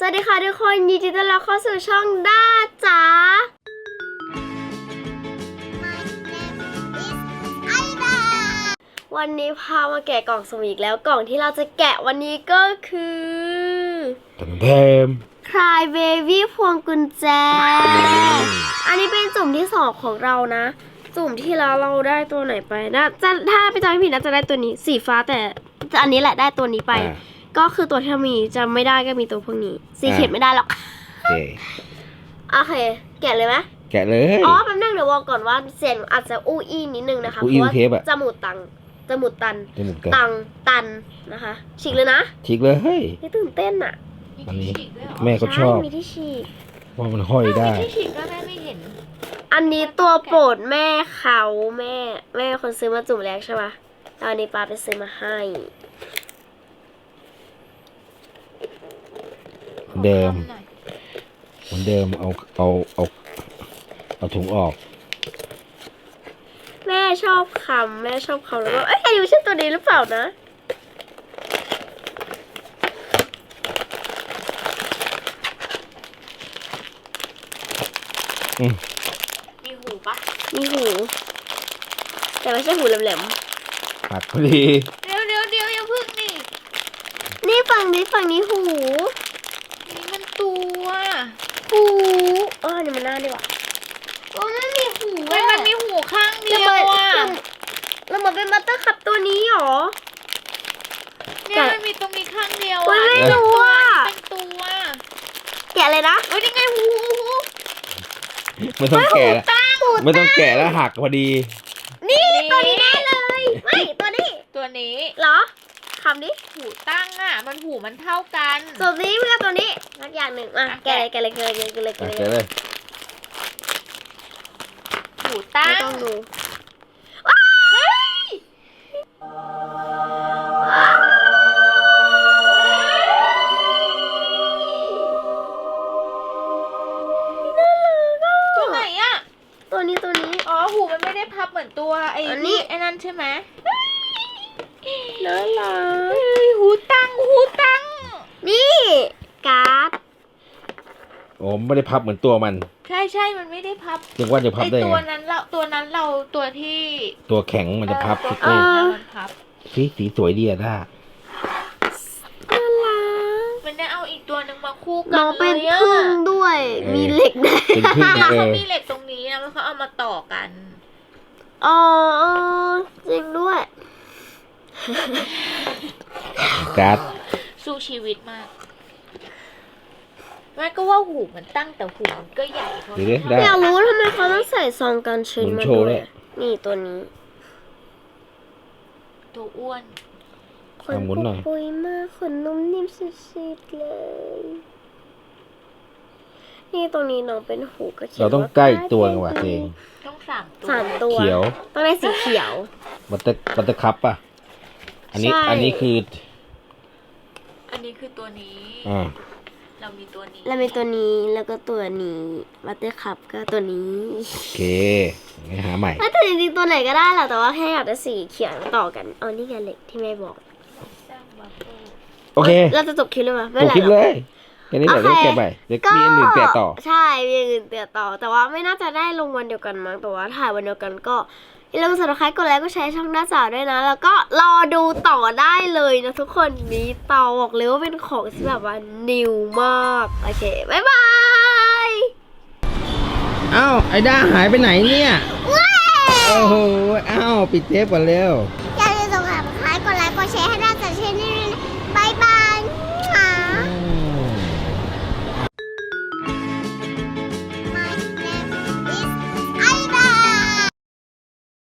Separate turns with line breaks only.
สวัสดีค่ะทุกคนยินดีต้อนรับเข้าสู่ช่องด้าจ๋าวันนี้พามาแกะกล่องสุ่มอีกแล้วกล่องที่เราจะแกะวันนี้ก็คือ
เทม
Cry Baby พวงกุญแจ อันนี้เป็นจุ่มที่2ของเรานะจุ่มที่แล้วเราได้ตัวไหนไปนะถ้าไปจำไม่ผิดนะจะได้ตัวนี้สีฟ้าแต่อันนี้แหละได้ตัวนี้ไปก็คือตัวที่มีจะไม่ได้ก็มีตัวพวกนี้สีเขียนไม่ได้หรอกโอเคแกะเลยไหม
แกะเลย
อ๋อแป๊บนึงเดี๋ยวบอกก่อนว่าเสียงอาจจะอู้อี้นิดนึงนะคะเพราะว่าจมูกตันนะคะฉีกเลยนะ
ฉีกเลยเฮ้ย
นี่ตื่นเต้นอ่ะ
อันนี้แม่ก็ชอบ
มีที่ฉีก
ว่ามันห้อยได้
ที่ฉีกก็แม่ไม่เห็น
อันนี้ตัวโปรดแม่เขาแม่คนซื้อมาจุ่มแรกใช่ปะตอนนี้ป้าไปซื้อมาให้
เหมือนเดิมเอาถุงออก
แม่ชอบคำแล้วก็เอ้ยอันนี้ไม่ใช่ตัวนี้หรือเปล่านะ
มีหูปะ
มีหูแต่ไม่ใช่หูแหลม
หักพอดี
เดี๋ยวอย่าพึ่ง
นี่ฝั่งนี้หู
นี่มันตัว
หูนี่มันหน้าดีกว่ามันมีหู
มันมีหูข้างเดียวอ่ะ
แล้วมันเป็นบัตเตอร์คัพตัวนี้หรอ
เนี่ยมันมีตรงนี้ข้างเดียว
อ่ะไม่รู้อ่ะ
เป็นตัว
แกะเลยนะ
ยังไงหู
ไม่ต้องแกะแล้วหักพอดี
นี่ตัวนี้แน่เลยไม่ตัวนี้เหรอคำนี้
หูตั้งอ่ะมันหูมันเท่ากัน
ตัวนี้เพื่อตัวนี้นักอย่างหนึ่งแกะเลย
หูตั้ง
ไม่ต้องดู
ตัวไหนอ่ะ
ตัวนี้
อ๋อหูมันไม่ได้พับเหมือนตัวไอ้นั่นใช่ไหม
น่ารัก
หูตั้ง
นี่การ์ด
โอ้ไม่ได้พับเหมือนตัวมัน
ใช่มันไม่ได้พับ
นึกว่าจะพับได้ไง
ตัวนั้นเราตัวที่
ตัวแข็งมันจะพับ
มันพับ
สีสวยดีอะด้า
น่ารัก
มันได้เอาอีกตัวนึงมาคู่กัน
น้องเป็นพึ่งด้วยมีเหล็กได้
เขามีเหล็กตรงนี้นะแล้วเขาเอามาต่อกัน
จริงด้วย
การ์ด
สู้ชีวิตมากแม่ก็ว่าหูมันตั้งแต่หูมันก็ใหญ่เขา
อยากรู้ทำไมเขาต้องใส่ซองกันชื้นมาด้วยนี่ตัวนี้
ตัวอ้วน
ขนปุยมากขนนุ่มนิ่มสุดๆเลยนี่ตรงนี้น้องเป็นหูก็เขียว
เราต้องใกล้ตัวกันว่ะเอง
ต้อง
3 ตัว
เขียว
ต้องได้สีเขียว
บัตเตอร์คัพป่ะอันนี้คือ
อันนี้คือตัวนี้เรามีตัวนี้
แล้วก็ตัวนี้บัตเตอร์คัพก็ตัวนี้
โอเคงั้นหาใหม่
แต่จริงๆตัวไหนก็ได้แหละแต่ว่าแค่อยากได้สีเขียวต่อกันนี่ไงเหล็กที่แม่บอก
โอเค
เราจะจบคลิปเลยมั้ย
จบคลิปเลยแค่นี้แหละได้แกะไปเดี๋ยวมีอันอื่นแกะต่อ
ใช่มีอันอื่นแกะต่อแต่ว่าไม่น่าจะได้ลงวันเดียวกันมั้งแต่ว่าถ่ายวันเดียวกันก็อย่าลืมกด Subscribe กดไลค์กดแชร์ช่องหน้าจ๋าด้วยนะแล้วก็รอดูต่อได้เลยนะทุกคนนี้เตาบอกเลยว่าเป็นของที่แบบว่านิวมากโอเคบ๊ายบาย
อ้าวไอ้ด้าหายไปไหนเนี่ยโอ้โหอ้าวปิดเทปก่อนเร็ว
อย่าลืมกด Subscribe กดไลค์กดแชร์ให้ได้